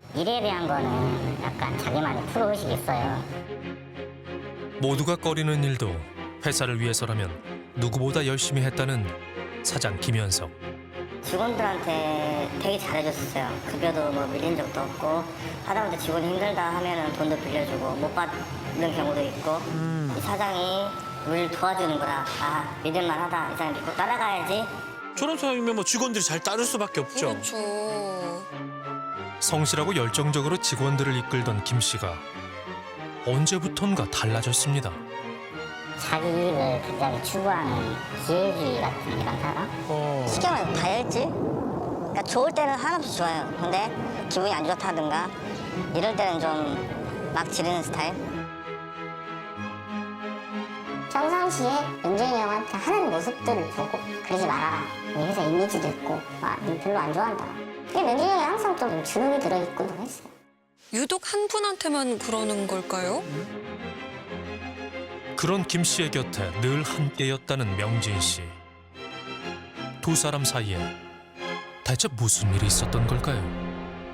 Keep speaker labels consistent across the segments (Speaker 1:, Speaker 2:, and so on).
Speaker 1: 일에 대한 거는 약간 자기만의 프로의식이 있어요.
Speaker 2: 모두가 꺼리는 일도 회사를 위해서라면 누구보다 열심히 했다는 사장 김현석.
Speaker 1: 직원들한테 되게 잘해줬어요. 급여도 뭐 밀린 적도 없고 하다못해 직원이 힘들다 하면은 돈도 빌려주고 못 받는 경우도 있고 이 사장이 우리를 도와주는구나. 아, 믿을만하다. 이 사람 믿고 따라가야지.
Speaker 3: 저런 사람이면 뭐 직원들이 잘 따를 수밖에 없죠.
Speaker 4: 그렇죠.
Speaker 2: 성실하고 열정적으로 직원들을 이끌던 김 씨가 언제부턴가 달라졌습니다.
Speaker 1: 자기 이익을 굉장히 추구하는 기회주의 같은 이런 사람? 쉽게 말해서 다혈질? 그러니까 좋을 때는 한없이 좋아요. 근데 기분이 안 좋다든가 이럴 때는 좀 막 지르는 스타일? 평상시에 연정이 형한테 하는 모습들을 보고 그러지 말아라. 이 회사 이미지도 있고 너 별로 안 좋아한다. 근데 명진이 형이 항상 좀 주눅이 들어있곤 했어요.
Speaker 4: 유독 한 분한테만 그러는 걸까요?
Speaker 2: 그런 김 씨의 곁에 늘 함께였다는 명진 씨. 두 사람 사이에 대체 무슨 일이 있었던 걸까요?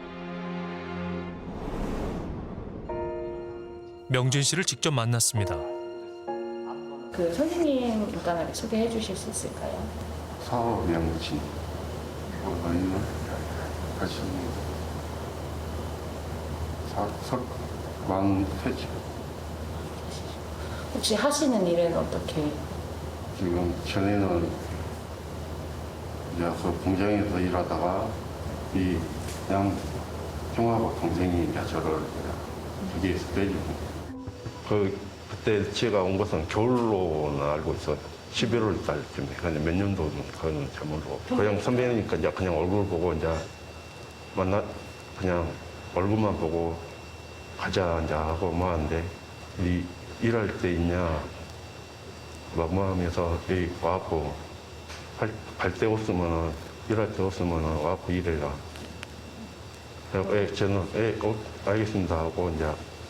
Speaker 2: 명진 씨를 직접 만났습니다.
Speaker 5: 그 선생님 간단하게 소개해 주실 수 있을까요?
Speaker 6: 서명진 아니면 다시 석왕퇴직.
Speaker 5: 혹시 하시는 일은 어떻게?
Speaker 6: 지금 전에는 이제 그 공장에서 일하다가 이 그냥 형하고 동생이 이제 저를 거기에서 빼주고 그때 제가 온 것은 겨울로는 알고 있어요. 11월 달쯤에. 근데 몇 년도는 그거는 잘 모르고 그냥 선배니까 이제 그냥 얼굴 보고 이제 그냥 얼굴만 보고 가자 이제 하고 뭐 하는데 일할 때 있냐 뭐 하면서 와갖고 갈 데 없으면은 일할 때 없으면은 와갖고 일해라. 저는 알겠습니다 하고 이제.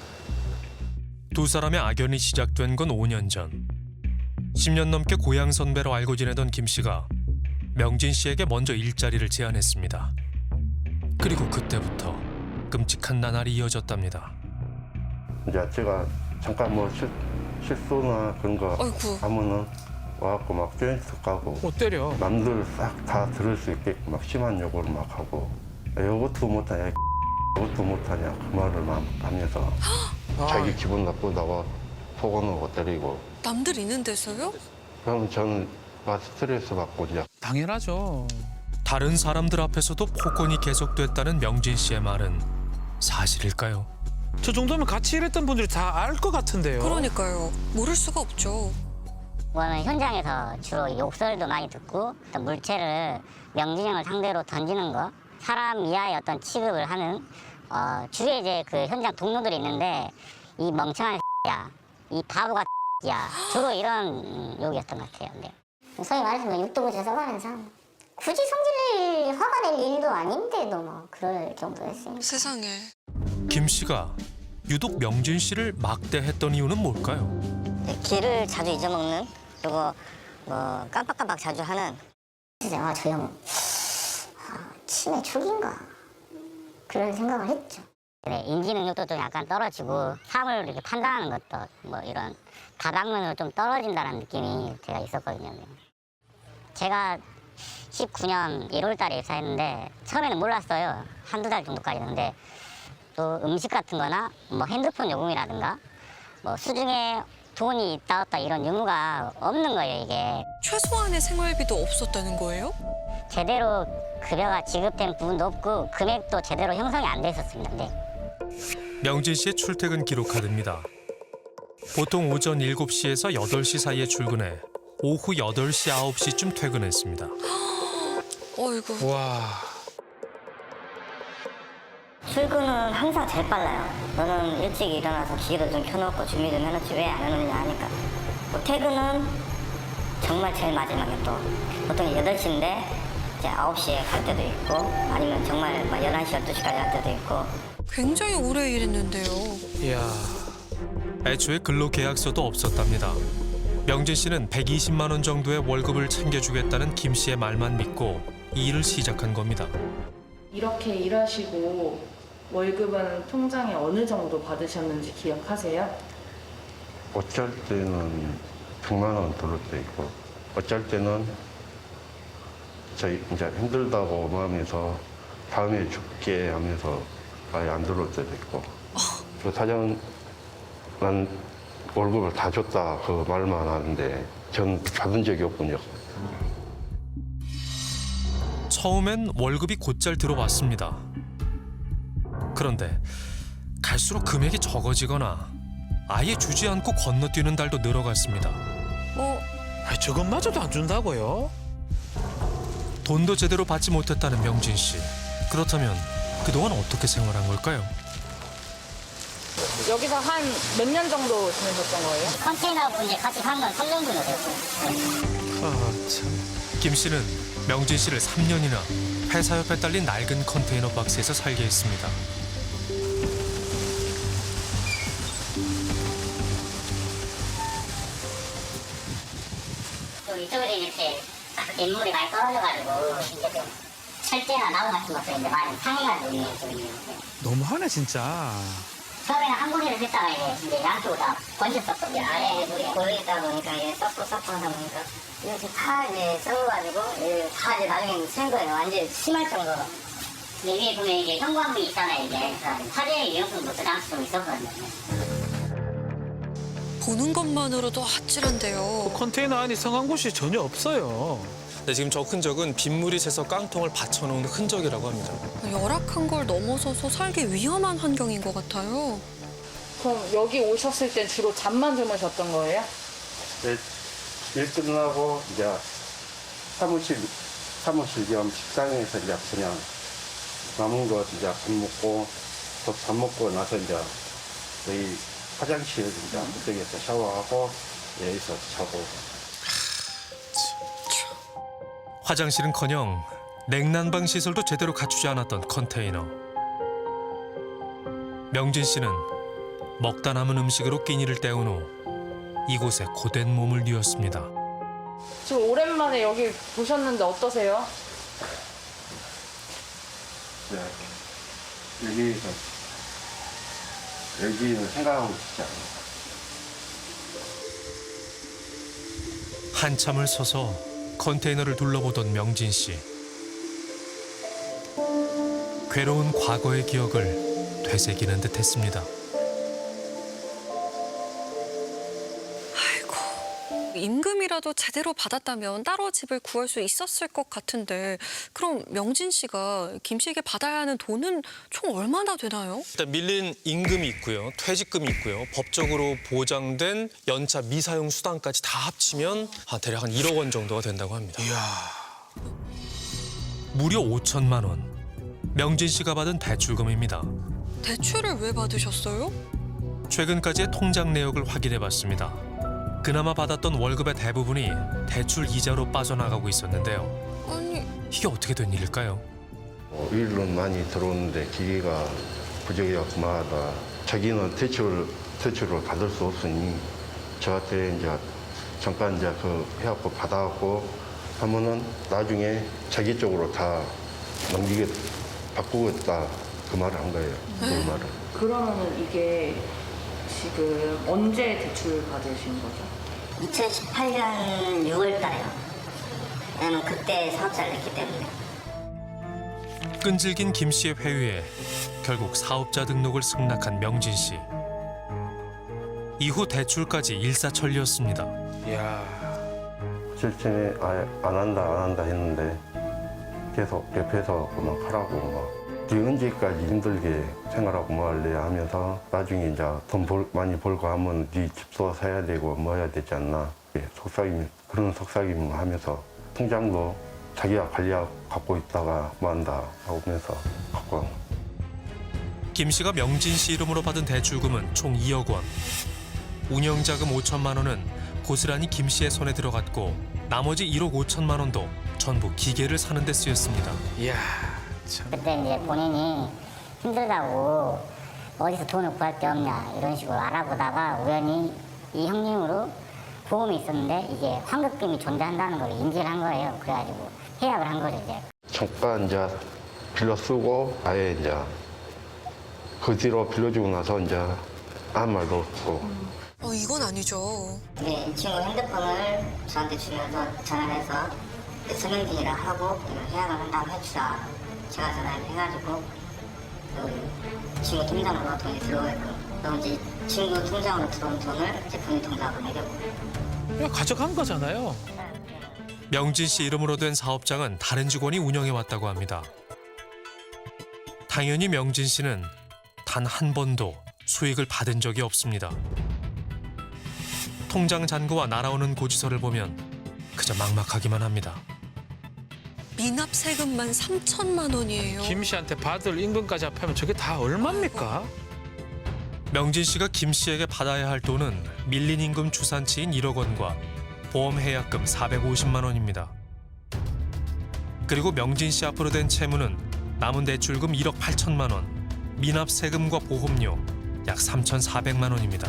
Speaker 2: 두 사람의 악연이 시작된 건 5년 전. 10년 넘게 고향 선배로 알고 지내던 김 씨가 명진 씨에게 먼저 일자리를 제안했습니다. 그리고 그때부터 끔찍한 나날이 이어졌답니다.
Speaker 6: 이제 제가 잠깐 뭐 실수나 그런 거
Speaker 4: 아이고.
Speaker 6: 하면은 와갖고 막 조인트 까고
Speaker 3: 때려.
Speaker 6: 남들 싹 다 들을 수 있게끔 막 심한 욕을 막 하고 이것도 못하냐 이것도 못하냐 그 말을 막 하면서 자기 기분 나쁘다고 폭언하고 때리고.
Speaker 4: 남들 있는 데서요?
Speaker 6: 그럼 저는 막 스트레스 받고 이제
Speaker 3: 당연하죠.
Speaker 2: 다른 사람들 앞에서도 폭언이 계속됐다는 명진 씨의 말은 사실일까요?
Speaker 3: 저 정도면 같이 일했던 분들이 다 알 것 같은데요.
Speaker 4: 그러니까요. 모를 수가 없죠.
Speaker 1: 저는 현장에서 주로 욕설도 많이 듣고 어떤 물체를 명진 형을 상대로 던지는 거, 사람 이하의 어떤 취급을 하는 주위에 이제 그 현장 동료들이 있는데 이 멍청한 야, 이 바보가 야, 주로 이런 욕이었던 것 같아요. 네. 소위 말해서 뭐 육도구지에 써가면서 굳이 성질 화가 낼 일도 아닌데도 뭐 그럴 정도였으니까.
Speaker 4: 세상에.
Speaker 2: 김 씨가 유독 명진 씨를 막대했던 이유는 뭘까요?
Speaker 1: 길을 자주 잊어먹는 그리고 뭐 깜빡깜빡 자주 하는 진짜 저 형 치매 초기인가 그런 생각을 했죠. 네, 인지 능력도 좀 약간 떨어지고 사람을 이렇게 판단하는 것도 뭐 이런 다방면으로 좀 떨어진다는 느낌이 제가 있었거든요. 제가 19년 1월 달에 입사했는데 처음에는 몰랐어요. 한두 달 정도까지는. 근데 또 음식 같은 거나 뭐 핸드폰 요금이라든가 뭐 수중에 돈이 있다 없다 이런 의무가 없는 거예요, 이게.
Speaker 4: 최소한의 생활비도 없었다는 거예요?
Speaker 1: 제대로 급여가 지급된 부분도 없고 금액도 제대로 형성이 안 돼 있었습니다. 네.
Speaker 2: 명진 씨의 출퇴근 기록 카드입니다. 보통 오전 7시에서 8시 사이에 출근해 오후 8시, 9시쯤 퇴근했습니다.
Speaker 4: 어이구.
Speaker 3: 와.
Speaker 1: 출근은 항상 제일 빨라요. 너는 일찍 일어나서 기계도 좀 켜놓고 준비 좀 해놓지 왜 안 해놓냐 하니까. 뭐 퇴근은 정말 제일 마지막에 또 보통 8시인데 이제 9시에 갈 때도 있고 아니면 정말 막 11시, 12시까지 할 때도 있고.
Speaker 4: 굉장히 오래 일했는데요.
Speaker 3: 이야.
Speaker 2: 애초에 근로계약서도 없었답니다. 명진 씨는 120만 원 정도의 월급을 챙겨주겠다는 김 씨의 말만 믿고 이 일을 시작한 겁니다.
Speaker 5: 이렇게 일하시고 월급은 통장에 어느 정도 받으셨는지 기억하세요?
Speaker 6: 어쩔 때는 100만 원 들을 때 있고, 어쩔 때는 저희 이제 힘들다고 마음에서 다음에 줄게 하면서 아예 안 들을 때도 있고. 그 사장은 난 월급을 다 줬다 그 말만 하는데 전 받은 적이 없군요.
Speaker 2: 처음엔 월급이 곧잘 들어왔습니다. 그런데 갈수록 금액이 적어지거나 아예 주지 않고 건너뛰는 달도 늘어갔습니다.
Speaker 3: 아, 저것마저도 안 준다고요?
Speaker 2: 돈도 제대로 받지 못했다는 명진 씨. 그렇다면 그동안 어떻게 생활한 걸까요?
Speaker 5: 여기서 한 몇 년 정도 지내셨던 거예요?
Speaker 1: 컨테이너 분이 같이 산 건 3년 정도 됐어요.
Speaker 3: 아, 참.
Speaker 2: 김 씨는 명진 씨를 3년이나 회사 옆에 딸린 낡은 컨테이너 박스에서 살게 했습니다.
Speaker 1: 또 이쪽에 이렇게 인물이 많이 떨어져가지고 이제 좀 철제나 나무 같은 것도 이제 많이 상해가지고 있는 쪽이에요.
Speaker 3: 너무하네, 진짜.
Speaker 1: 처음에는 한 군데를 했다가 이제 양쪽으로 다 번졌었거든요. 아래 물이 고여있다 보니까 이제 썩고 하다 보니까 이렇게 다 이제 썩어가지고 다 이제 나중에 센 거예요. 완전 심할 정도로. 근데 위에 보면 이게 현관문이 있잖아요. 이게 화재 위험성도 당시 좀 있었거든요.
Speaker 4: 보는 것만으로도 아찔한데요.
Speaker 3: 컨테이너 안이 성한 곳이 전혀 없어요.
Speaker 2: 네, 지금 저 흔적은 빗물이 새서 깡통을 받쳐놓은 흔적이라고 합니다.
Speaker 4: 열악한 걸 넘어서서 살기 위험한 환경인 것 같아요.
Speaker 5: 그럼 여기 오셨을 땐 주로 잠만 주무셨던 거예요?
Speaker 6: 일 끝나고 이제 사무실 겸 식당에서 이제 그냥 남은 거 이제 밥 먹고 또 밥 먹고 나서 이제 여기 화장실 이제 그쪽에서 샤워하고 여기서 자고.
Speaker 2: 화장실은커녕 냉난방 시설도 제대로 갖추지 않았던 컨테이너. 명진 씨는 먹다 남은 음식으로 끼니를 때운 후 이곳에 고된 몸을 뉘었습니다.
Speaker 5: 지금 오랜만에 여기 보셨는데 어떠세요?
Speaker 6: 네. 여기는 생각하고 싶지 않아요.
Speaker 2: 한참을 서서 컨테이너를 둘러보던 명진 씨. 괴로운 과거의 기억을 되새기는 듯했습니다.
Speaker 4: 아이고, 임금이라도 제대로 받았다면 따로 집을 구할 수 있었을 것 같은데 그럼 명진 씨가 김 씨에게 받아야 하는 돈은 총 얼마나 되나요?
Speaker 2: 일단 밀린 임금이 있고요, 퇴직금이 있고요, 법적으로 보장된 연차 미사용 수당까지 다 합치면 대략 한 1억 원 정도가 된다고 합니다.
Speaker 3: 이야.
Speaker 2: 무려 5천만 원. 명진 씨가 받은 대출금입니다.
Speaker 4: 대출을 왜 받으셨어요?
Speaker 2: 최근까지의 통장 내역을 확인해봤습니다. 그나마 받았던 월급의 대부분이 대출 이자로 빠져나가고 있었는데요.
Speaker 4: 아니,
Speaker 2: 이게 어떻게 된 일일까요?
Speaker 6: 일은 많이 들어오는데 기계가 부족해갖고 마다 자기는 대출을 받을 수 없으니 저한테 이제 잠깐 이제 그 해갖고 받아갖고 하면은 나중에 자기 쪽으로 다 바꾸겠다 그 말을 한 거예요. 그 말을.
Speaker 5: 그러면은 이게 지금 언제 대출 받으신 거죠?
Speaker 1: 2018년 6월 달에요. 왜냐면 그때 사업자를 냈기 때문에.
Speaker 2: 끈질긴 김 씨의 회유에 결국 사업자 등록을 승낙한 명진 씨. 이후 대출까지 일사천리였습니다.
Speaker 3: 이야.
Speaker 6: 실전에 아예 안 한다 했는데 계속 옆에서 막 하라고 막 이게 언제까지 힘들게 생활하고 뭐 할래 하면서 나중에 이제 돈 많이 벌고 하면 네 집도 사야 되고 뭐 해야 되지 않나 그런 속삭임 하면서 통장도 자기가 관리하고 갖고 있다가 뭐 한다 하면서 갖고
Speaker 2: 김 씨가 명진 씨 이름으로 받은 대출금은 총 2억 원. 운영자금 5천만 원은 고스란히 김 씨의 손에 들어갔고 나머지 1억 5천만 원도 전부 기계를 사는 데 쓰였습니다.
Speaker 3: 이야. 참.
Speaker 1: 그때 이제 본인이 힘들다고 어디서 돈을 구할 데 없냐 이런 식으로 알아보다가 우연히 이 형님으로 보험이 있었는데 이게 환급금이 존재한다는 걸 인지를 한 거예요. 그래가지고 계약을 한 거죠 이제.
Speaker 6: 잠깐 이제 빌려 쓰고 아예 이제 그 뒤로 빌려주고 나서 이제 아무 말도 없고.
Speaker 4: 이건 아니죠.
Speaker 1: 근데 이 친구 핸드폰을 저한테 주면서 전화를 해서 서명진이라 하고 계약을 한다고 해주라. 제가 전화를 해가지고 그 친구 통장으로 돈이 들어오게끔 그럼 이제 친구 통장으로 들어온 돈을 제 본인 통장으로 매겼고
Speaker 3: 그냥 가져간 거잖아요.
Speaker 2: 명진 씨 이름으로 된 사업장은 다른 직원이 운영해 왔다고 합니다. 당연히 명진 씨는 단 한 번도 수익을 받은 적이 없습니다. 통장 잔고와 날아오는 고지서를 보면 그저 막막하기만 합니다.
Speaker 4: 미납 세금만 3천만 원이에요.
Speaker 3: 김 씨한테 받을 임금까지 합하면 저게 다 얼마입니까?
Speaker 2: 명진 씨가 김 씨에게 받아야 할 돈은 밀린 임금 추산치인 1억 원과 보험 해약금 450만 원입니다. 그리고 명진 씨 앞으로 된 채무는 남은 대출금 1억 8천만 원, 미납 세금과 보험료 약 3,400만 원입니다.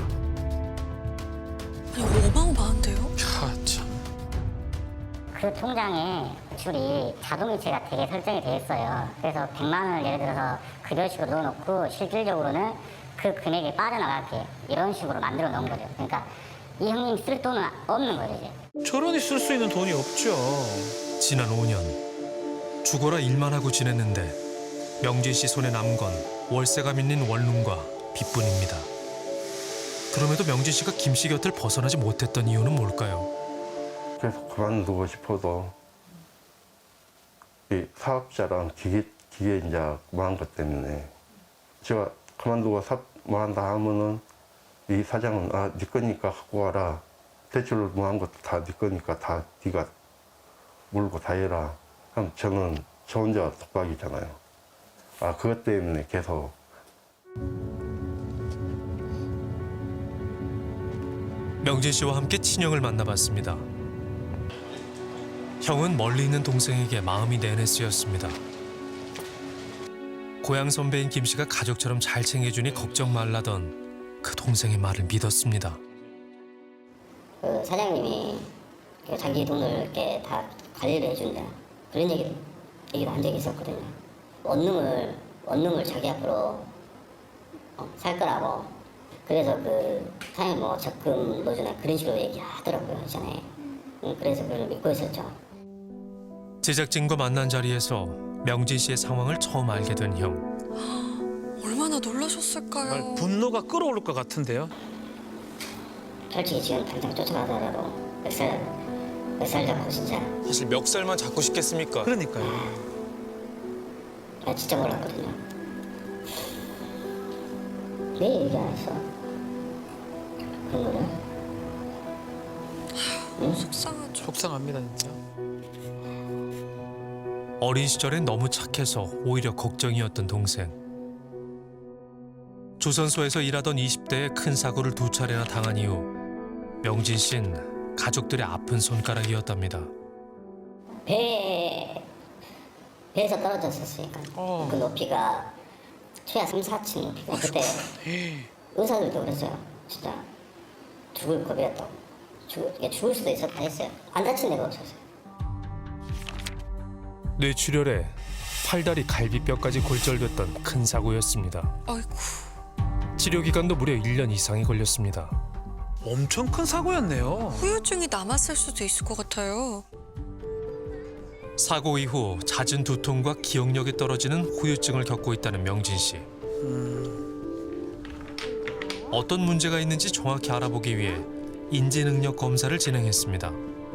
Speaker 4: 아니 어마어마한데요?
Speaker 3: 야, 참.
Speaker 1: 그 통장에 줄이 자동이체가 되게 설정이 돼 있어요. 그래서 100만 원을 예를 들어서 급여식으로 넣어놓고 실질적으로는 그 금액이 빠져나가게 이런 식으로 만들어 놓은 거죠. 그러니까 이 형님 쓸 돈은 없는 거죠, 이제.
Speaker 3: 저런이 쓸 수 있는 돈이 없죠.
Speaker 2: 지난 5년 죽어라 일만 하고 지냈는데 명진 씨 손에 남은 건 월세가 밀린 원룸과 빚뿐입니다. 그럼에도 명진 씨가 김 씨 곁을 벗어나지 못했던 이유는 뭘까요?
Speaker 6: 계속 그만두고 싶어도 이 사업자랑 기계 이제 뭐한 것 때문에 제가 그만두고 뭐 한다 하면은 이 사장은 네 거니까 갖고 와라. 대출을 뭐 한 것도 다 네 거니까 다 네가 물고 다 해라. 그럼 저는 저 혼자 독박이잖아요. 그것 때문에 계속.
Speaker 2: 명진 씨와 함께 친형을 만나봤습니다. 형은 멀리 있는 동생에게 마음이 내내 쓰였습니다. 고향 선배인 김 씨가 가족처럼 잘 챙겨주니 걱정 말라던 그 동생의 말을 믿었습니다.
Speaker 1: 그 사장님이 그 자기 돈을 이렇게 다 관리를 해준다. 그런 얘기도 한 적이 있었거든요. 원룸을 자기 앞으로 살 거라고. 그래서 그 사장님 뭐 적금 넣어주나 그런 식으로 얘기하더라고요, 전에. 그래서 그걸 믿고 있었죠.
Speaker 2: 제작진과 만난 자리에서 명진 씨의 상황을 처음 알게 된 형.
Speaker 4: 얼마나 놀라셨을까요?
Speaker 3: 정말 분노가 끓어오를 것 같은데요.
Speaker 1: 솔직히 지금 당장 쫓아가더라도 멱살 잡고 진짜
Speaker 7: 사실 멱살만 잡고 싶겠습니까?
Speaker 3: 그러니까요.
Speaker 1: 나 진짜 몰랐거든요. 왜 얘기 안 했어? 그런 거를?
Speaker 4: 속상하죠.
Speaker 3: 속상합니다, 진짜.
Speaker 2: 어린 시절엔 너무 착해서 오히려 걱정이었던 동생. 조선소에서 일하던 20대에 큰 사고를 2차례나 당한 이후 명진 씨는 가족들의 아픈 손가락이었답니다.
Speaker 1: 배에서 떨어졌었으니까 그 높이가 최하 3, 4층 높이가 그때 의사들도 그랬어요. 진짜 죽을 겁이었다고. 죽을 수도 있었다 했어요. 안 다친 데가 없었어요.
Speaker 2: 뇌출혈에 팔다리 갈비뼈까지 골절됐던 큰 사고였습니다.
Speaker 4: 아이고.
Speaker 2: 치료 기간도 무려 1년 이상이 걸렸습니다.
Speaker 3: 엄청 큰 사고였네요.
Speaker 4: 후유증이 남았을 수도 있을 것 같아요.
Speaker 2: 사고 이후 잦은 두통과 기억력이 떨어지는 후유증을 겪고 있다는 명진 씨. 어떤 문제가 있는지 정확히 알아보기 위해 인지능력 검사를 진행했습니다.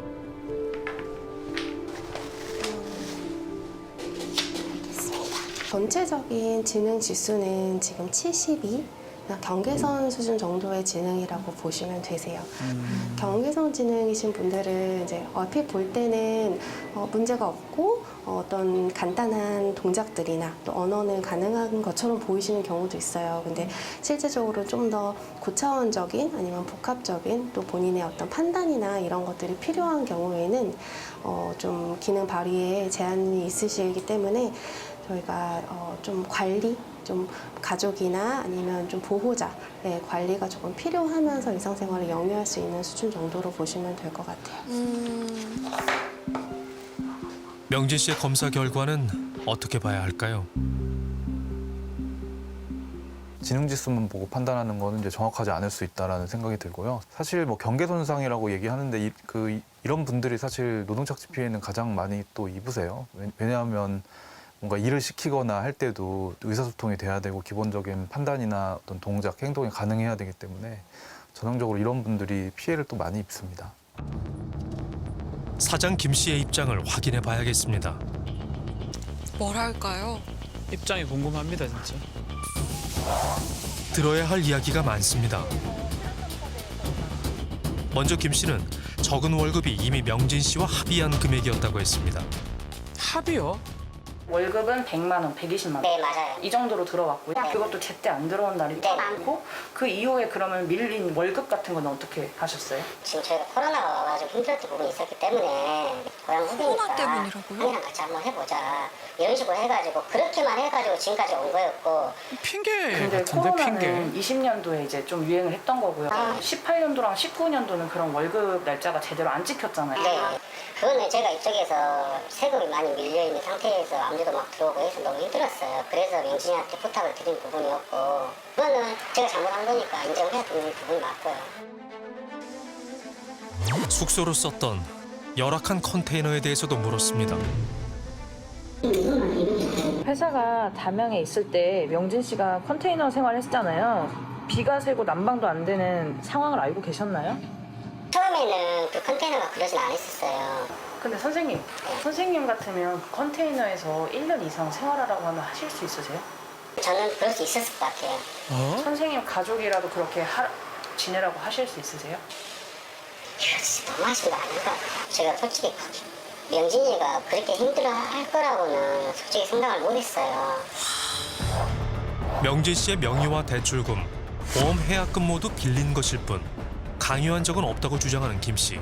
Speaker 8: 전체적인 지능 지수는 지금 72, 경계선 수준 정도의 지능이라고 보시면 되세요. 경계선 지능이신 분들은 이제 얼핏 볼 때는 문제가 없고 어떤 간단한 동작들이나 또 언어는 가능한 것처럼 보이시는 경우도 있어요. 근데 실제적으로 좀 더 고차원적인 아니면 복합적인 또 본인의 어떤 판단이나 이런 것들이 필요한 경우에는 좀 기능 발휘에 제한이 있으시기 때문에 저희가 좀 관리, 좀 가족이나 아니면 좀 보호자의 관리가 조금 필요하면서 일상생활을 영위할 수 있는 수준 정도로 보시면 될 것 같아요.
Speaker 2: 명진 씨의 검사 결과는 어떻게 봐야 할까요?
Speaker 9: 지능지수만 보고 판단하는 거는 이제 정확하지 않을 수 있다라는 생각이 들고요. 사실 뭐 경계손상이라고 얘기하는데 이런 분들이 사실 노동착취 피해는 가장 많이 또 입으세요. 왜냐하면 뭔가 일을 시키거나 할 때도 의사소통이 돼야 되고 기본적인 판단이나 어떤 동작, 행동이 가능해야 되기 때문에 전형적으로 이런 분들이 피해를 또 많이 입습니다.
Speaker 2: 사장 김 씨의 입장을 확인해 봐야겠습니다.
Speaker 4: 뭐랄까요?
Speaker 3: 입장이 궁금합니다, 진짜.
Speaker 2: 들어야 할 이야기가 많습니다. 먼저 김 씨는 적은 월급이 이미 명진 씨와 합의한 금액이었다고 했습니다.
Speaker 3: 합의요?
Speaker 5: 월급은 100만 원, 120만 원.
Speaker 1: 네, 맞아요.
Speaker 5: 이 정도로 들어왔고요.
Speaker 1: 네.
Speaker 5: 그것도 제때 안 들어온 날이
Speaker 1: 네.
Speaker 5: 많고 그 이후에 그러면 밀린 월급 같은 건 어떻게 하셨어요?
Speaker 1: 지금 저희가 코로나가 와가지고 힘들었던 부분이 있었기 때문에 고향 후배니까
Speaker 4: 코로나 때문이라고요?
Speaker 1: 형이랑 같이 한번 해보자 이런 식으로 해가지고 그렇게만 해가지고 지금까지 온 거였고
Speaker 3: 핑계
Speaker 5: 근데
Speaker 3: 같은데, 핑계.
Speaker 5: 코로나는 20년도에 이제 좀 유행을 했던 거고요.
Speaker 1: 아.
Speaker 5: 18년도랑 19년도는 그런 월급 날짜가 제대로 안 지켰잖아요.
Speaker 1: 네, 그거는 제가 이쪽에서 세금이 많이 밀려있는 상태에서 압류도 막 들어오고 해서 너무 힘들었어요. 그래서 명진이한테 부탁을 드린 부분이었고 그거는 제가 잘못한 거니까 인정을 해야 되는 부분이 맞고요.
Speaker 2: 숙소로 썼던 열악한 컨테이너에 대해서도 물었습니다.
Speaker 10: 회사가 담양에 있을 때 명진 씨가 컨테이너 생활했잖아요. 비가 새고 난방도 안 되는 상황을 알고 계셨나요?
Speaker 1: 처음에는 그 컨테이너가 그러진 않았었어요.
Speaker 5: 근데 선생님 같으면 그 컨테이너에서 1년 이상 생활하라고 하면 하실 수 있으세요?
Speaker 1: 저는 그럴 수 있었을 것 같아요.
Speaker 5: 선생님 가족이라도 그렇게 지내라고 하실 수 있으세요?
Speaker 1: 이거 진짜 너무하신 거 아닌가? 제가 솔직히 명진이가 그렇게 힘들어할 거라고는 솔직히 생각을 못했어요.
Speaker 2: 명진 씨의 명의와 대출금, 보험 해약금 모두 빌린 것일 뿐 강요한 적은 없다고 주장하는 김 씨.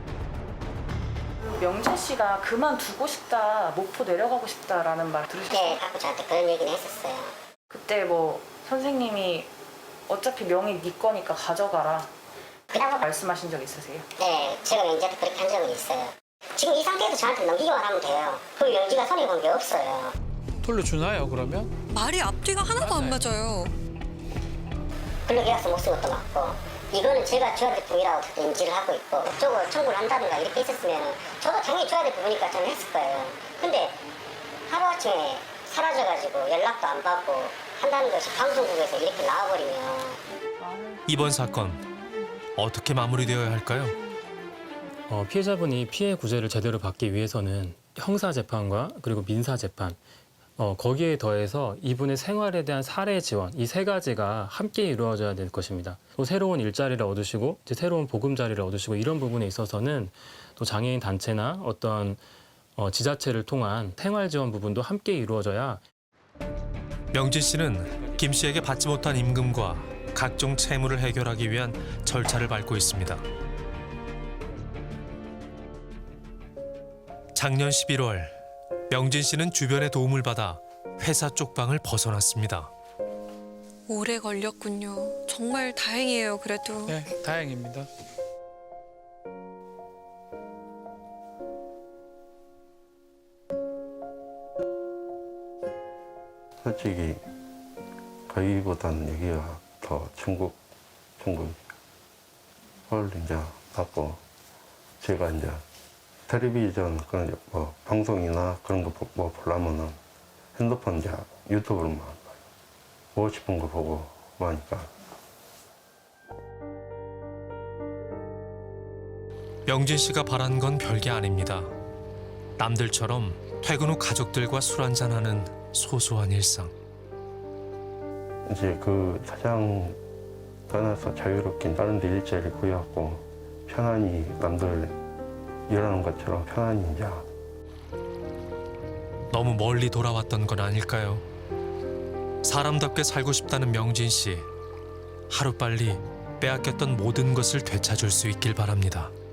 Speaker 5: 명진 씨가 그만두고 싶다, 목포 내려가고 싶다라는 말 들으셨어요?
Speaker 1: 네, 가끔 저한테 그런 얘기는 했었어요.
Speaker 5: 그때 뭐 선생님이 어차피 명의 네 거니까 가져가라
Speaker 1: 그다음
Speaker 5: 말씀하신 적 있으세요?
Speaker 1: 네, 제가 명지한테 그렇게 한 적은 있어요. 지금 이 상태에서 저한테 넘기기만 하면 돼요. 그 명지가 손해 본 게 없어요.
Speaker 3: 돌려주나요, 그러면?
Speaker 4: 말이 앞뒤가 하나도 안 맞아요.
Speaker 1: 근로계약서 못 쓴 것도 맞고 이거는 제가 줘야 될 부분이라고 인지를 하고 있고 저거 청구를 한다든가 이렇게 있었으면 저도 당연히 줘야 될 부분이니까 저는 했을 거예요. 근데 하루아침에 사라져가지고 연락도 안 받고 한다는 것이 방송국에서 이렇게 나와버리면
Speaker 2: 이번 사건 어떻게 마무리되어야 할까요?
Speaker 11: 피해자분이 피해 구제를 제대로 받기 위해서는 형사재판과 그리고 민사재판, 거기에 더해서 이분의 생활에 대한 사례 지원, 이 세 가지가 함께 이루어져야 될 것입니다. 또 새로운 일자리를 얻으시고 이제 새로운 보금자리를 얻으시고 이런 부분에 있어서는 또 장애인 단체나 어떤 지자체를 통한 생활 지원 부분도 함께 이루어져야.
Speaker 2: 명진 씨는 김 씨에게 받지 못한 임금과 각종 채무를 해결하기 위한 절차를 밟고 있습니다. 작년 11월 명진 씨는 주변의 도움을 받아 회사 쪽방을 벗어났습니다.
Speaker 4: 오래 걸렸군요. 정말 다행이에요, 그래도.
Speaker 3: 네, 다행입니다.
Speaker 6: 솔직히 거기보다는 여기가 더 천국을 이제 받고 제가 이제 텔레비전 그런 뭐 방송이나 그런 거 뭐 보려면은 핸드폰 이제 유튜브로만 봐요. 보고 싶은 거 보고 뭐 하니까.
Speaker 2: 명진 씨가 바란 건 별게 아닙니다. 남들처럼 퇴근 후 가족들과 술 한잔하는 소소한 일상.
Speaker 6: 이제 그 사장 떠나서 자유롭게 다른 데 일자리 구해갖고 편안히 남들 일하는 것처럼 편안히 이제.
Speaker 2: 너무 멀리 돌아왔던 건 아닐까요? 사람답게 살고 싶다는 명진 씨. 하루빨리 빼앗겼던 모든 것을 되찾을 수 있길 바랍니다.